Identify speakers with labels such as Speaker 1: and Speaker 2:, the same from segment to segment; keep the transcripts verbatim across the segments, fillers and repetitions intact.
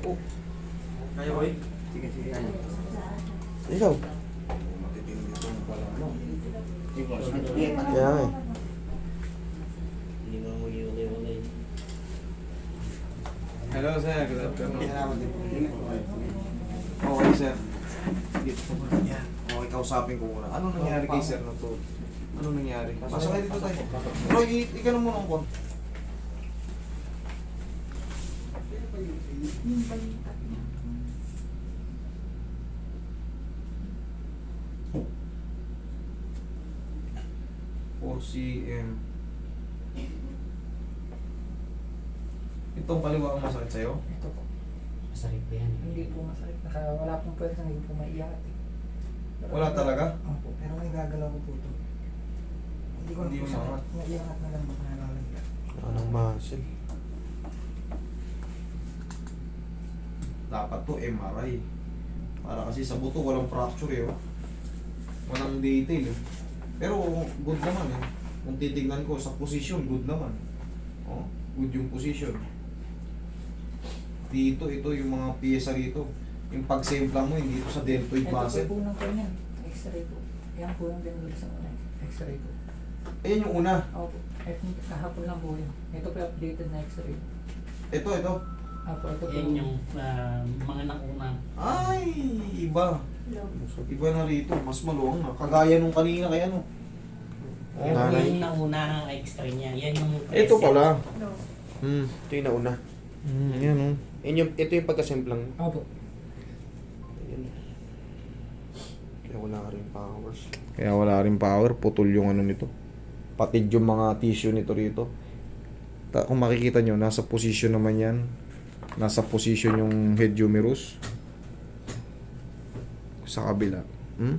Speaker 1: Opo.
Speaker 2: Kaya ko eh. Sige, sige, kaya.
Speaker 1: Ikaw.
Speaker 2: Matitindi ito mo pala, ano?
Speaker 1: Kaya nga eh.
Speaker 3: Hindi mo mag-iwalay-walay.
Speaker 2: Hello, sir. Good afternoon. Okay, sir. Yan. Okay, kausapin ko muna. Ano nangyari kay sir na to? Ano nangyari? Pasok kayo dito tayo. Bro, i- ikaw muna ang kon. four cm. Itong kaliwa ang masakit sa'yo?
Speaker 4: Ito po.
Speaker 3: Masakit pa yan.
Speaker 4: Hindi po masakit. Naka, wala pong pwede, hindi po maiyak. Eh. Pero,
Speaker 2: Wala talaga?
Speaker 4: Opo, pero may gagalaw ko po ito. Hindi ko na
Speaker 2: Hindi
Speaker 4: po
Speaker 2: mo
Speaker 4: siya
Speaker 2: maangat?
Speaker 4: maiangat na lang makanalaga.
Speaker 1: Anong muscle?
Speaker 2: Dapat to M R I. Para kasi sa buto walang fracture eh. Oh. Walang detail eh. Pero good naman eh. Kung titignan ko sa position, good naman. Oh, good yung position. Dito, ito yung mga piyesa rito. Yung pagsempla mo, hindi ito sa deltoid
Speaker 4: Ito
Speaker 2: muscle.
Speaker 4: po po ng kanya. X-ray po. Yan po yung binulog sa una. X-ray po.
Speaker 2: Ayan yung una.
Speaker 4: Opo. Ito, kahapon lang po yun. Ito po yung updated na X-ray.
Speaker 2: Ito, ito.
Speaker 4: Opo, ito po.
Speaker 3: Yan yung uh, mga nauna.
Speaker 2: Ay, iba. Iba na rito. Mas maluwang na. Kagaya nung kanina kaya no. Oh,
Speaker 3: Yan
Speaker 1: Nanay.
Speaker 3: yung nauna ang extra niya. Yan yung...
Speaker 1: Ito pala.
Speaker 4: No.
Speaker 1: Hmm, ito yung nauna. Hmm, yan oh. Yan yung, ito yung pagkasimplang.
Speaker 4: Opo.
Speaker 1: Ayan. Kaya wala ka rin powers. Kaya wala rin power. Putol yung ano nito. Patid yung mga tissue nito rito. Ta kung makikita nyo, nasa position naman yan. Nasa position yung head humerus. Sa kabila. Hmm?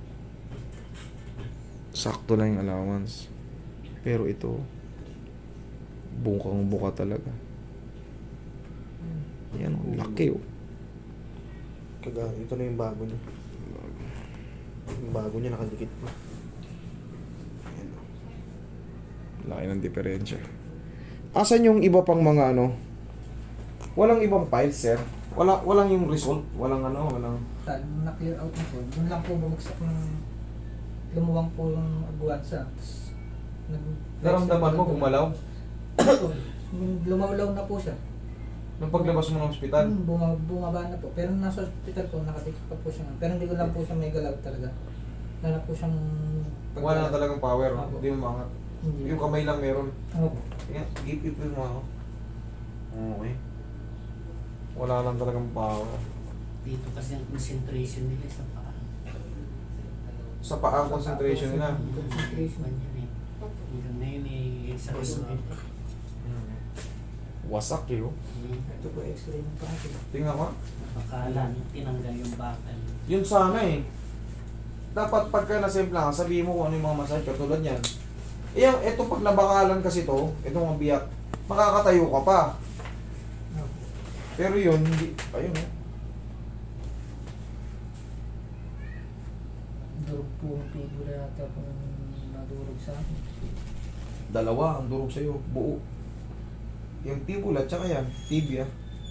Speaker 1: Sakto lang yung allowance. Pero ito, bukang buka talaga. Yan, oh, laki oh. Kaga, ito na yung bago niya. Yung bago niya nakadikit pa. Ayan, oh. Laki ng diferensya. Asan yung iba pang mga ano? Walang ibang files, sir. Wala, walang yung result. Walang ano, walang...
Speaker 4: Tal, na-clear out na po. Doon lang po bumagsak ng lumuwang po yung abuwansa. Tapos, nag-
Speaker 2: Naramdaman mo gumalaw?
Speaker 4: Yung lumawlaw na po siya.
Speaker 2: Nung paglabas mo ng ospital?
Speaker 4: Hmm, bunga, bumaba na po. Pero nasa hospital po, nakatikip pa po siya. Pero hindi ko lang po siya may galaw talaga. Wala na po siyang...
Speaker 2: Wala na talagang power.
Speaker 4: Opo.
Speaker 2: Hindi mo maangat.
Speaker 4: Hindi.
Speaker 2: Yung kamay lang meron.
Speaker 4: Opo.
Speaker 2: Tingnan, gipipin mo ako. Okay. Wala lang talagang power.
Speaker 3: Dito kasi ang concentration nila sa paa.
Speaker 2: Sa paa ang concentration nila.
Speaker 4: Concentration.
Speaker 3: Man yan eh. Hanggang ngayon eh, sa result.
Speaker 1: Wasak eh oh.
Speaker 4: Ito po x-ray ng paa.
Speaker 2: Tingnan ko.
Speaker 3: Akala nyo tinanggal yung bakal.
Speaker 2: Yun sana eh. Dapat pagka nasempla ka, sabihin mo kung ano yung mga masakit katulad yan. Eh, ito pag nabakalan kasi to, itong mga biyak, makakatayo ka pa. Pero yun, hindi, ayun eh.
Speaker 4: Durog po ang figura yata kung nadurog sa akin.
Speaker 2: Dalawa ang durog sa'yo, buo. Yung tibula, tsaka yan, tibia.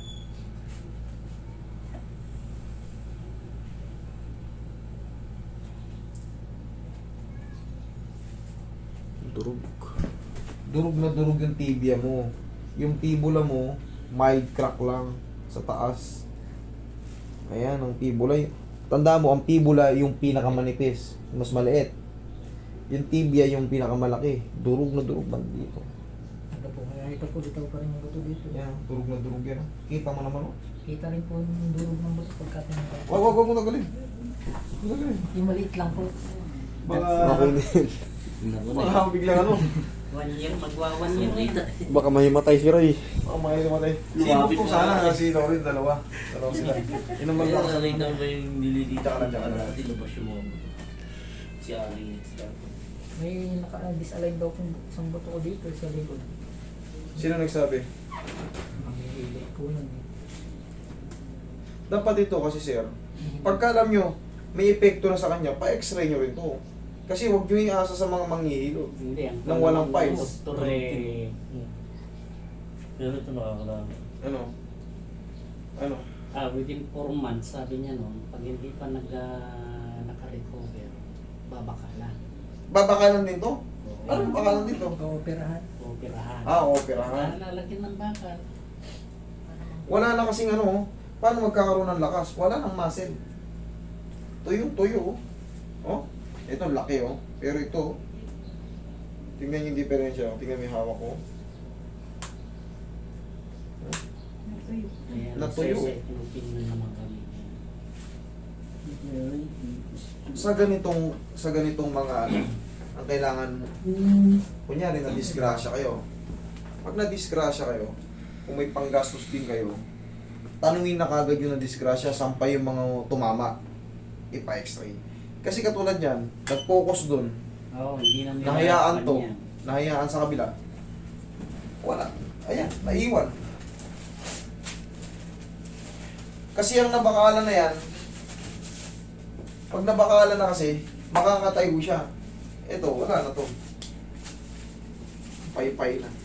Speaker 1: Durog.
Speaker 2: Durog na durog yung tibia mo. Yung tibula mo, mild crack lang sa taas. Ayan, ang tibula. Tanda mo, ang tibula yung pinakamanipis, mas maliit. Yung tibia yung pinakamalaki. Durog na durog man dito.
Speaker 4: Ito po, kaya ito po dito pa rin yung buto dito.
Speaker 2: Yan, durog na durog yan. Kita mo naman, oh.
Speaker 4: Kita rin po yung durog ng buto pagkatin ng
Speaker 2: Wag, wag, wag mo tagalin. Tagalin.
Speaker 4: Yung maliit lang po.
Speaker 2: Baka,
Speaker 1: Okay din.
Speaker 2: baka biglang ano.
Speaker 3: One year, magwa one year later.
Speaker 1: Baka mahimatay si Roy.
Speaker 2: Baka may tumatay. Sino
Speaker 3: Lumapit
Speaker 2: po
Speaker 3: na
Speaker 2: sana
Speaker 3: lang.
Speaker 2: kasi Lorin, dalawa. Dalawa sila. Inuman lang.
Speaker 3: Kaya nakita mo ba yung nililita
Speaker 2: Tsaka lang, tsaka lang.
Speaker 3: natin, labas yung mga buto. Si Ari, si Ari.
Speaker 4: May naka-disalign daw kung isang buto ko dito sa likod.
Speaker 2: Sino nagsabi?
Speaker 4: Mamihili po yun eh.
Speaker 2: Dapat dito kasi sir, pagka alam nyo, may epekto na sa kanya, pa-x-ray nyo rin to. Kasi huwag nyo iasa sa mga manghihilo.
Speaker 3: Hindi, ang
Speaker 2: Nang walang files.
Speaker 3: doktor eh. Pero ito nakakalala.
Speaker 2: Ano? Ano?
Speaker 3: Ah, within four months, sabi niya noon, pag hindi pa nag, ah, naka-recover, babakala.
Speaker 2: Babakalan din to? Ano bakalan din to?
Speaker 4: Operahan.
Speaker 3: Operahan.
Speaker 2: Ah, operahan.
Speaker 3: Ah, lalagyan ng bakal.
Speaker 2: Wala na kasing ano, paano magkakaroon ng lakas? Wala nang muscle. Tuyong tuyo. Oh, ito laki oh. Pero ito, tingnan yung diferensya. Tingnan mo yung hawak ko.
Speaker 3: Kaya
Speaker 2: Natuyo.
Speaker 3: nagse-second opinion naman kami.
Speaker 2: Sa ganitong, sa ganitong mga ano, ang kailangan mo, kunyari na-disgrasya kayo. Pag na-disgrasya kayo, kung may panggastos din kayo, tanungin na kagad yung na-disgrasya, sampay yung mga tumama, ipa-x-ray. Kasi katulad yan, nag-focus dun,
Speaker 3: Oo, hindi namin
Speaker 2: nahayaan to,
Speaker 3: yan.
Speaker 2: nahayaan sa kabila, wala. Ayan, naiwan. Kasi ang nabakalan na yan, pag nabakalan na kasi, makakatayo siya. Ito, wala na to. Pay-pay na.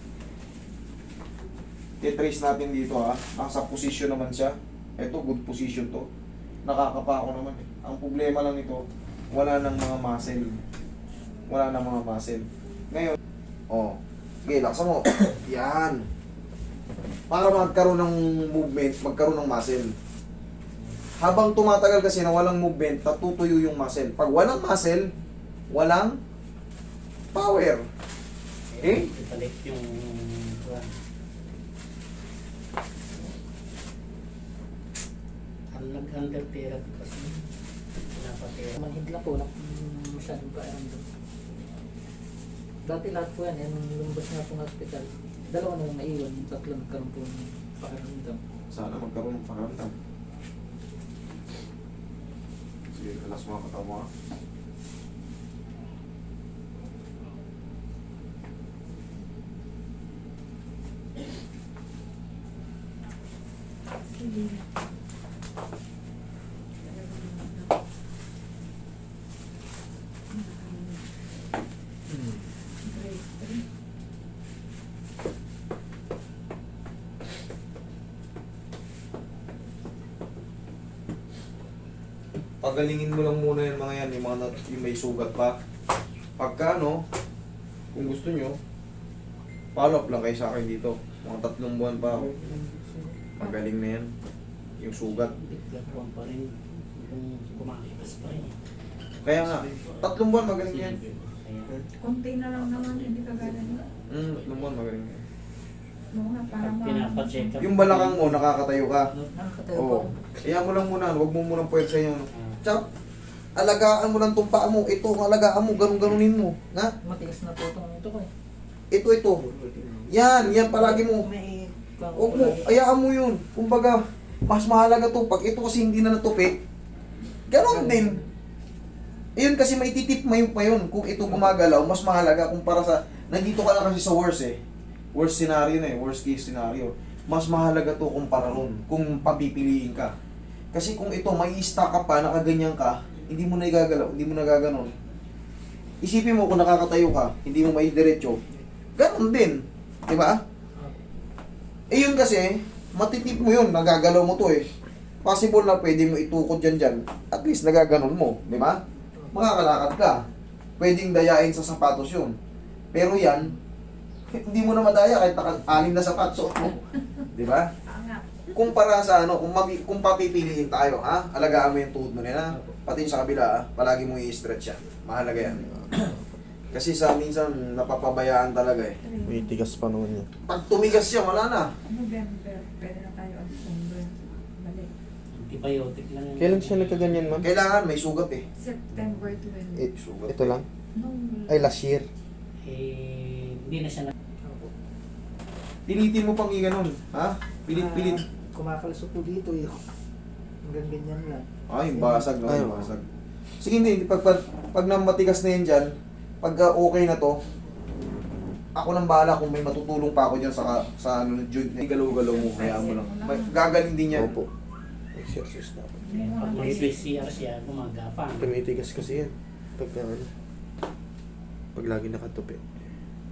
Speaker 2: I-trace natin dito ha. Nasa position naman siya. Ito, good position to. Nakakapa ako naman eh. Ang problema lang nito, wala nang mga muscle. Wala nang mga muscle. Ngayon, oh, sige, laksa mo. Yan. Para magkaroon ng movement, magkaroon ng muscle. Habang tumatagal kasi na walang movement, natutuyo yung muscle. Pag walang muscle, walang power. Eh?
Speaker 3: Ibalik yung... kuwan. Ang nag-handle therapy kasi, pinapatera.
Speaker 4: Manhid lang po, nak- masyadong kairamdam. Dati lahat po yan, eh, nung lumabas nga po ng hospital, dalawa na lang naiwan, yung tatlo nagkaroon po ng pakiramdam.
Speaker 2: Sana magkaroon ng pakaramdam. Sige, alas mga kataw mo ha. Pagalingin mo lang muna yung mga yan, yung mga nat- yung may sugat pa. Pagka ano, kung gusto nyo, follow up lang kayo sa akin dito. Mga tatlong buwan pa ako. Magaling na yan. Yung sugat.
Speaker 3: Biglaruan pa rin. Kung kumakipas pa rin.
Speaker 2: Kaya nga, tatlong buwan magaling yan.
Speaker 3: Kaya,
Speaker 5: Konti na lang naman, hindi ka ganun.
Speaker 2: Hmm, tatlong buwan magaling yan.
Speaker 5: Oo nga, parang
Speaker 3: pag pinapacheck up.
Speaker 2: Yung balakang mo, nakakatayo ka.
Speaker 4: Nakakatayo po.
Speaker 2: Oo. Kaya mo lang muna, huwag mo munang puwersa yun.
Speaker 3: Ah,
Speaker 2: Tsaka, alagaan mo lang itong paa mo. Ito ang alagaan mo, ganun-ganunin mo. Nga?
Speaker 4: Matigas na po itong ito ko eh.
Speaker 2: Ito, ito. Yan, yan palagi mo.
Speaker 4: May...
Speaker 2: Huwag mo, ayaan mo yun. Kumbaga, mas mahalaga to. Pag ito kasi hindi na natupi, ganon din. Ayun kasi may titip mo yun pa yun. Kung ito gumagalaw, mas mahalaga kumpara sa, nandito ka na kasi sa worst eh. Worst scenario na eh, worst case scenario. Mas mahalaga to kumpara ron, kung papipiliin ka. Kasi kung ito, may stack ka pa, nakaganyan ka, hindi mo na igagalaw, hindi mo na gaganon. Isipin mo kung nakakatayo ka, hindi mo may diretso, ganon din. Di ba? Eh yun kasi, matitip mo yun, nagagalaw mo to eh. Possible na pwede mo itukod dyan dyan, at least nagaganon mo, di ba? Makakalakad ka. Pwedeng dayain sa sapatos yun. Pero yan, hindi mo na madaya kahit naka-anim na sapatos mo. Di ba?
Speaker 5: Ah, nga.
Speaker 2: Kumpara sa ano, kung, mapi, kung papipiliin tayo, ha? Alagaan mo yung tuhod mo nila. Pati yung sa kabila, ha? Palagi mo i-stretch yan. Mahalaga yan. Kasi sa minsan, napapabayaan talaga eh.
Speaker 1: May tigas pa naman yan.
Speaker 2: Pag tumigas siya, wala na.
Speaker 5: November, pwede na tayo ang December. Balik.
Speaker 3: antibiotic lang yun.
Speaker 1: Kailan siya nagkaganyan, ma'am?
Speaker 2: Kailangan may sugat eh.
Speaker 5: September twenty.
Speaker 1: Eh,
Speaker 2: Sugat.
Speaker 1: ito lang?
Speaker 5: Nung
Speaker 1: Ay, last year.
Speaker 3: Eh, hindi na siya na...
Speaker 2: Pilitin mo pang i-ganon, ha? Pilit-pilit.
Speaker 4: Ah, kumakalasok po dito eh. Hanggang ganyan lang.
Speaker 2: Ay, basag no,
Speaker 1: Ay,
Speaker 2: yung basag. Sige, hindi. Pag, pag, pag namatigas na yan dyan, pag uh, okay na to, ako nang bahala kung may matutulong pa ako dyan sa, sa ano, joint na galaw-galaw mo, hayaan mo lang. May, gagaling din yan.
Speaker 1: Opo. Exercise dapat.
Speaker 3: Kaya pag may C R siya, gumagapang.
Speaker 1: Tumitigas kasi yan. Pag ano, pag lagi nakatupi.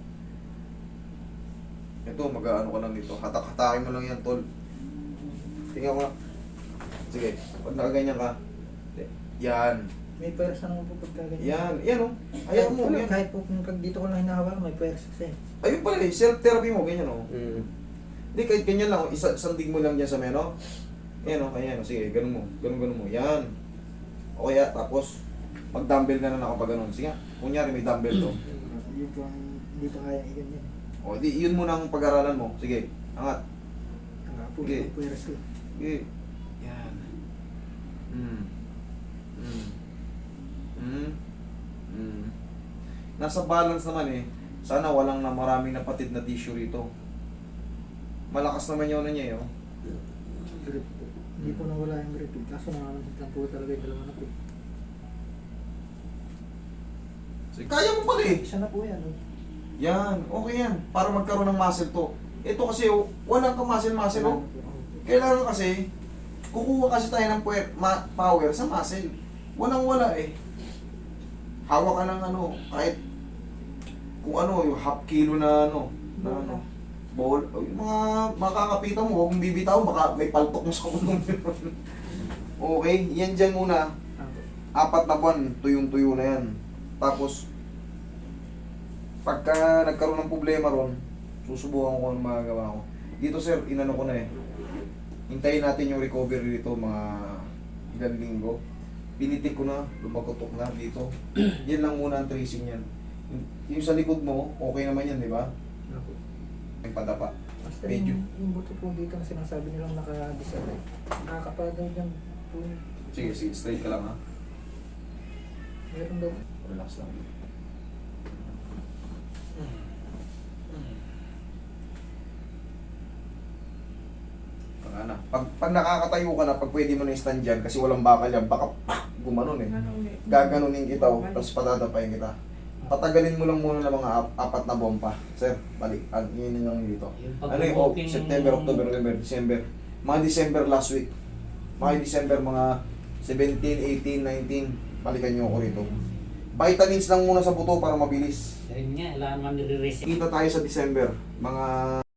Speaker 2: Ito, mag-ano ka lang dito. Hatak-hatakin mo lang yan, tol. Tingnan ko nga. Sige, pag nakaganyan ka. Yan.
Speaker 4: May pwersa naman po pagka ganyan.
Speaker 2: Yan. Yan o. Ayaw mo.
Speaker 4: Wala,
Speaker 2: Yan.
Speaker 4: kahit po kung pag dito ko lang hinahawakan, may pwersa kasi.
Speaker 2: Ayun pala eh. Self-therapy mo. Ganyan o.
Speaker 1: Mm.
Speaker 2: Hindi, kahit ganyan lang. oh. Isa, sandig mo lang dyan sa meno. Yan o. Ayan o. Sige, ganun mo. Ganun, ganun mo. Yan. O kaya, tapos, mag-dumbbell ka na na kapag ganun. Sige, kunyari may dumbbell to.
Speaker 4: Hindi po, ang- hindi pa kaya i-ganyan.
Speaker 2: O, di, yun muna ang pag-aralan mo. Sige, angat.
Speaker 4: Nga po,
Speaker 2: Okay.
Speaker 4: yung pwersa.
Speaker 2: Sige. Yan. Mm. Mm. Mm. Mm. Nasa balance naman eh. Sana walang na maraming napatid na tissue rito. Malakas naman yun na niya eh. Oh.
Speaker 4: Grip po. Hindi po nawala yung grip. eh. Kaso namamanhid lang po talaga yung dalawa na po.
Speaker 2: Sige, kaya mo pala eh.
Speaker 4: Isa na po yan. oh.
Speaker 2: Yan, okay yan. Para magkaroon ng muscle to. Ito kasi, oh, walang ka muscle-muscle, oh. Kailangan kasi, kukuha kasi tayo ng puwer, ma- power sa muscle. Walang-wala eh. Hawak ka ng ano, kahit kung ano, yung half kilo na ano, na ano, ball, oh, yung mga makakapitan mo, huwag mong bibitaw, baka may paltok mo sa kulong. Okay, yan dyan muna. Apat na buwan, tuyong-tuyo na yan. Tapos, pagka nagkaroon ng problema ron, susubukan ko ang magagawa ko. Dito sir, inano ko na eh. Hintayin natin yung recovery dito mga ilang linggo. Pinitik ko na, lumagotok na dito. Yan lang muna ang tracing yan. Yung sa likod mo, okay naman yan, di ba? Yung padapa.
Speaker 4: Basta
Speaker 2: Medyo.
Speaker 4: yung, yung buto po dito na sinasabi nilang naka-disable. Nakakapadaw dyan po.
Speaker 2: Sige, sige, straight ka lang ha.
Speaker 4: Meron daw.
Speaker 2: Relax lang. Pag, na. pag, pag nakakatayo ka na, pag pwede mo na i-stand dyan, kasi walang bakal yan, baka pak, gumanon eh.
Speaker 5: Ano ulit?
Speaker 2: Gaganunin kita, oh, tapos patatapayin kita. Patagalin mo lang muna ng mga ap- apat na bomba. Sir, balik. Ano, yun yun lang dito.
Speaker 3: Yung
Speaker 2: Ano yung oh,
Speaker 3: pag-walking-
Speaker 2: September, October, November, December. Mga December last week. Mga December, mga seventeen, eighteen, nineteen. Balikan nyo ako rito. Vitamins lang muna sa buto para mabilis.
Speaker 3: Yun nga, kailangan man nire-reset.
Speaker 2: Kita tayo sa December. Mga